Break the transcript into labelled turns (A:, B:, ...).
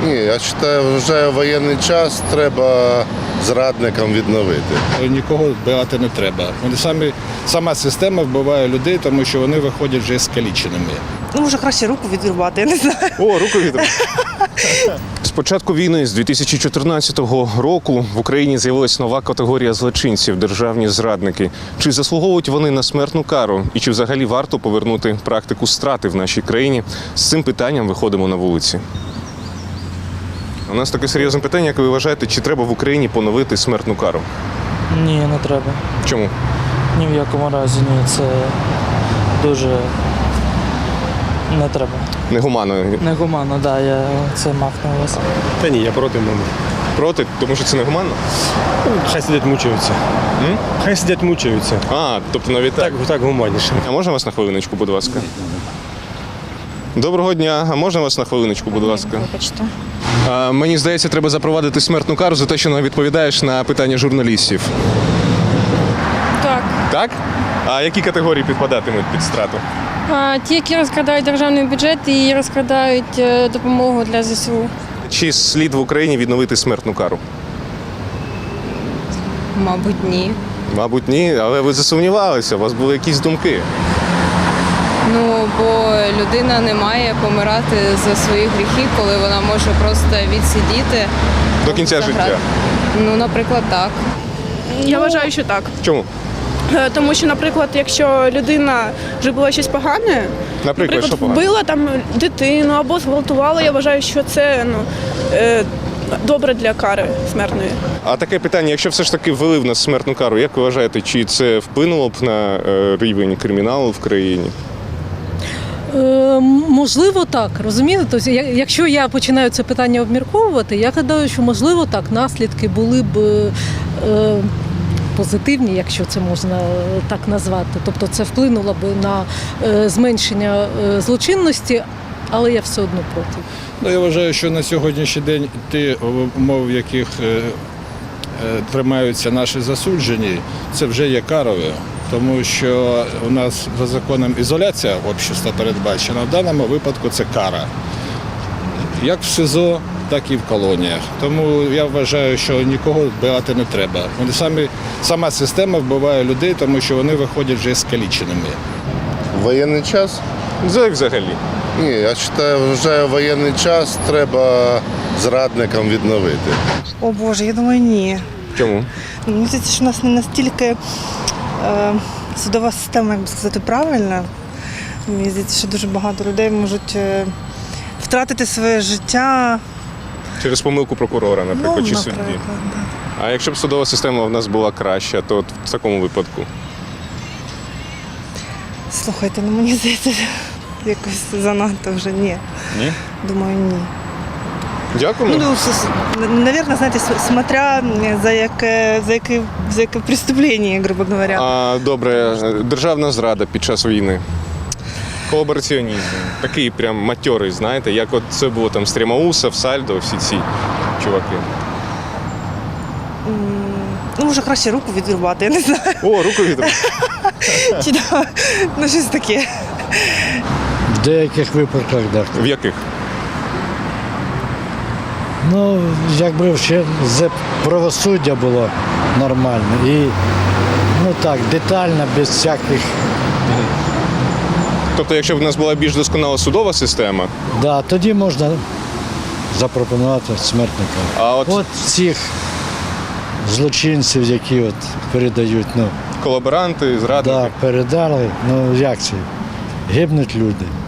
A: Ні, я вважаю, воєнний час треба зрадникам відновити.
B: Нікого вбивати не треба. Сама система вбиває людей, тому що вони виходять вже скаліченими.
C: Ну, може, краще руку відрубати, я не знаю.
D: О, руку відрубати. З початку війни, з 2014 року, в Україні з'явилася нова категорія злочинців – державні зрадники. Чи заслуговують вони на смертну кару? І чи взагалі варто повернути практику страти в нашій країні? З цим питанням виходимо на вулиці. У нас таке серйозне питання, як ви вважаєте, чи треба в Україні поновити смертну кару?
E: Ні, не треба.
D: Чому?
E: Ні в якому разі ні. Це дуже не треба.
D: Негуманно.
E: Негуманно, так, я це мав на увазі.
F: Та ні, я проти мами.
D: Проти? Тому що це негуманно?
F: Хай сидять мучаються. Хай сидять мучаються.
D: А, тобто навіть так?
F: Так гуманніше.
D: А можна вас на хвилиночку, будь ласка? Доброго дня. А можна вас на хвилиночку, будь ласка?
C: Вибачте.
D: Мені здається, треба запровадити смертну кару за те, що не відповідаєш на питання журналістів.
G: Так.
D: Так? А які категорії підпадатимуть під страту?
G: Ті, які розкрадають державний бюджет і розкрадають допомогу для ЗСУ.
D: Чи слід в Україні відновити смертну кару?
G: Мабуть, ні.
D: Мабуть, ні, але ви засумнівалися, у вас були якісь думки.
G: Ну, бо людина не має помирати за свої гріхи, коли вона може просто відсидіти.
D: До кінця
G: за
D: життя.
G: грати. Ну, наприклад, так.
H: Я вважаю, що так.
D: Чому?
H: Тому що, наприклад, якщо людина зробила щось погане,
D: Наприклад, що погано?
H: вбила там дитину або зґвалтувала, я вважаю, що це добре для кари смертної.
D: А таке питання, якщо все ж таки ввели в нас смертну кару, як ви вважаєте, чи це вплинуло б на рівень криміналу в країні?
I: Можливо, так, розумієте? Тобто, якщо я починаю це питання обмірковувати, я гадаю, що можливо так, наслідки були б позитивні, якщо це можна так назвати. Тобто це вплинуло б на зменшення злочинності, але я все одно проти.
B: Ну, я вважаю, що на сьогоднішній день ті умови, в яких тримаються наші засуджені, це вже є карою. Тому що у нас за законом ізоляція общества передбачена, в даному випадку це кара. Як в СИЗО, так і в колоніях. Тому я вважаю, що нікого вбивати не треба. Сама система вбиває людей, тому що вони виходять вже скаліченими.
A: Воєнний час?
D: Взагалі.
A: Ні, я вважаю, воєнний час треба зрадникам відновити.
C: О Боже, я думаю, ні.
D: Чому?
C: Мені здається, що у нас не настільки судова система, як би сказати, правильна. Мені здається, що дуже багато людей можуть втратити своє життя.
D: Через помилку прокурора, наприклад, чи судді.
C: Да.
D: А якщо б судова система в нас була краща, то от в такому випадку?
C: Слухайте, ну мені здається, якось занадто вже ні.
D: Ні?
C: Думаю, ні.
D: Дякуємо.
C: Ну, наверное, знаєте, смотря за яке преступлення, грубо говоря.
D: А, добре, державна зрада під час війни. Колабораціонізм. Такий прям матьорий, знаєте, як от це було там Стрімаусов, Сальдо, всі ці чуваки.
C: Ну, може, краще руку відрубати, я не знаю.
D: О, руку відрубати.
C: Чи ну, щось таке.
J: В деяких випадках, так.
D: В яких?
J: Ну, якби ще правосуддя було нормальне і, ну так, детально, без всяких.
D: Тобто, якщо б в нас була більш досконала судова система,
J: Да, тоді можна запропонувати смертника.
D: а от
J: Цих злочинців, які от передають, ну,
D: колаборанти, зрадники.
J: да, передали, ну як це, гибнуть люди.